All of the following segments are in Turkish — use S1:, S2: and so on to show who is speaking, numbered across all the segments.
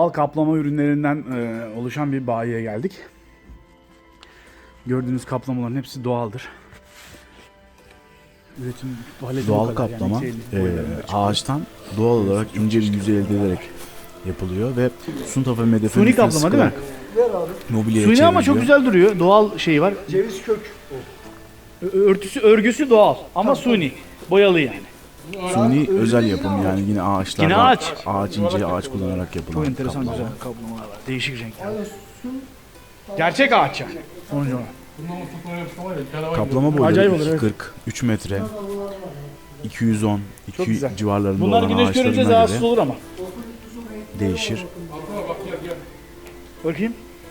S1: Doğal kaplama ürünlerinden oluşan bir bayiye geldik. Gördüğünüz kaplamaların hepsi doğaldır. Üretim
S2: Doğal kaplama ağaçtan doğal olarak ince bir yüzey elde ederek yapılıyor ve Sunta ve Medefe
S1: suni kaplama değil mi?
S2: Mobilyaya
S1: Suni ama çok
S2: çevriliyor.
S1: güzel duruyor. Doğal şeyi var.
S3: Ceviz kök.
S1: Örgüsü doğal ama suni. Boyalı yani.
S2: Suni özel yapım yani yine ağaçlardan,
S1: Yine ağaç.
S2: ince ağaç kullanarak yapılan
S1: Çok enteresan
S2: kaplama.
S1: güzel kaplamalar var. Değişik renkler. Gerçek ağaç yani. Sonucu olarak.
S2: Kaplama boyları
S1: Acayip olur, evet.
S2: 240, 3 metre, 210,
S1: Çok
S2: 2
S1: güzel.
S2: civarlarında
S1: Bunlar
S2: olan
S1: güneş görünce
S2: ağaçlarına
S1: rahatsız
S2: göre
S1: olur ama.
S2: değişir.
S1: Bakayım.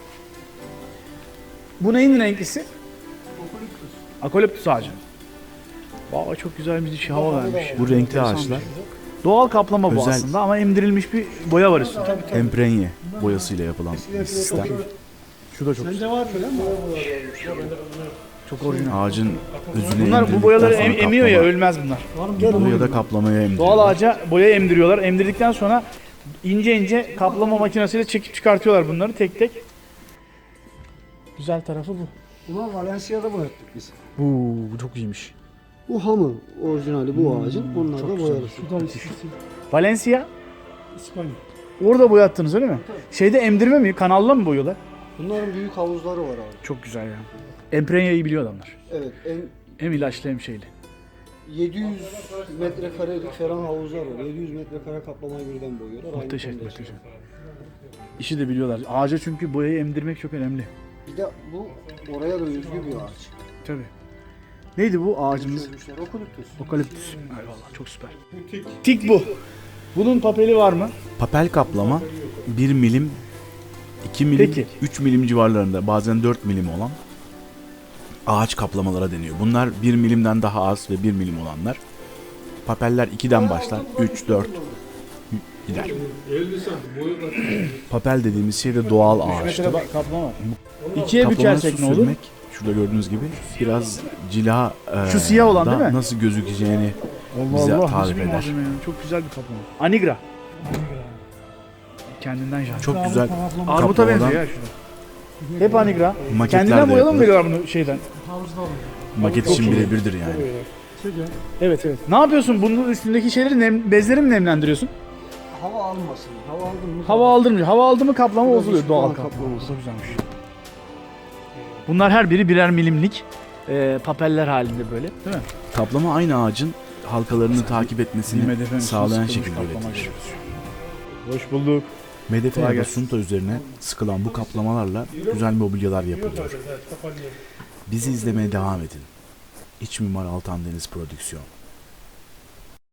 S1: Bu neyin renklisi? Akoliptüs ağacı. Vay çok güzel bir şey hava vermiş.
S2: Bu renkli ağaçlar
S1: Doğal kaplama bu
S2: Özel.
S1: aslında ama emdirilmiş bir boya var üstünde.
S2: emprenye boyasıyla yapılan bir sistem.
S1: Şu da çok güzel.
S3: Var mı lan?
S1: Çok orijinal.
S2: Ağacın özüne
S1: Bunlar bu
S2: emdirdikten
S1: boyaları
S2: sonra
S1: emiyor ya
S2: kaplama
S1: ölmez bunlar.
S2: yapılıyor ya da kaplamaya emdiriyor.
S1: Doğal ağaca boya emdiriyorlar. Emdirdikten sonra ince ince kaplama makinesiyle çekip çıkartıyorlar bunları tek tek. Güzel tarafı bu.
S3: Buna Valencia'da boyattık biz.
S1: Bu çok iyiymiş.
S3: Bu hamı orijinali bu ağacın. Bunlar da boyalısı.
S1: Valencia
S3: İspanya.
S1: orada boyattınız öyle mi? Şeyde emdirme mi? Kanalla mı boyuyorlar?
S3: Bunların büyük havuzları var abi.
S1: Çok güzel ya. Emprenyayı biliyor adamlar.
S3: Evet,
S1: Hem ilaçlı hem şeyli.
S3: 700 metrekarelik falan havuzlar var. 700 metrekare kaplamayı birden boyuyorlar. Aynı
S1: Muhteşem,
S3: konuda.
S1: muhteşem. İşi de biliyorlar. Ağaca çünkü boyayı emdirmek çok önemli.
S3: Bir de bu oraya da özgü bir ağaç.
S1: Tabii. Neydi bu ağacımız?
S3: Çözmüşler. Okulüptüs.
S1: Okaliptüs. Eyvallah çok süper. Tik bu. Bunun papeli var mı?
S2: Papel kaplama 1 milim, 2 milim,
S1: Peki.
S2: 3 milim civarlarında bazen 4 milim olan ağaç kaplamalara deniyor. Bunlar 1 milimden daha az ve 1 milim olanlar. Papeller 2'den başlar, 3, 4 gider. Papel dediğimiz şey de doğal ağaçtır.
S1: Mesela kaplama var. İkiye
S2: Kaplamaya
S1: bükersek
S2: su
S1: ne olur?
S2: sürmek, şurada gördüğünüz gibi biraz cila
S1: Şu siyah olan
S2: da
S1: değil mi?
S2: nasıl gözükeceğini bize
S1: nasıl
S2: tarif
S1: bir
S2: eder.
S1: malzeme ya. Çok güzel bir kaplama. Anigra. Kendinden jan.
S2: Çok güzel
S1: Armuta
S2: kaplamadan
S1: benziyor ya şurada. Hep anigra.
S2: maketler
S1: Kendinden
S2: de
S1: boyalı mı
S2: yapılır.
S1: veriyorlar bunu şeyden?
S2: Maket için birebirdir yani.
S1: Evet evet. Ne yapıyorsun? Bunun üstündeki şeyleri bezleri mi nemlendiriyorsun?
S3: Hava almasın. Hava aldın mı?
S1: Hava aldırmıyor. Hava aldı mı kaplama bozuluyor. Doğal
S3: Doğal
S1: kaplama.
S3: kaplaması.
S1: Çok güzelmiş. Bunlar her biri birer milimlik papeller halinde böyle değil mi?
S2: Kaplama aynı ağacın halkalarını takip etmesini
S1: Medefen
S2: sağlayan
S1: sıkılmış
S2: şekilde
S1: kaplama
S2: üretilir.
S1: gibi. Hoş bulduk.
S2: Medefe
S1: Kolay
S2: ya da
S1: gelsin.
S2: Sunta üzerine sıkılan bu kaplamalarla güzel mobilyalar yapılıyor. Bizi izlemeye devam edin. İç Mimar Altan Deniz Prodüksiyon.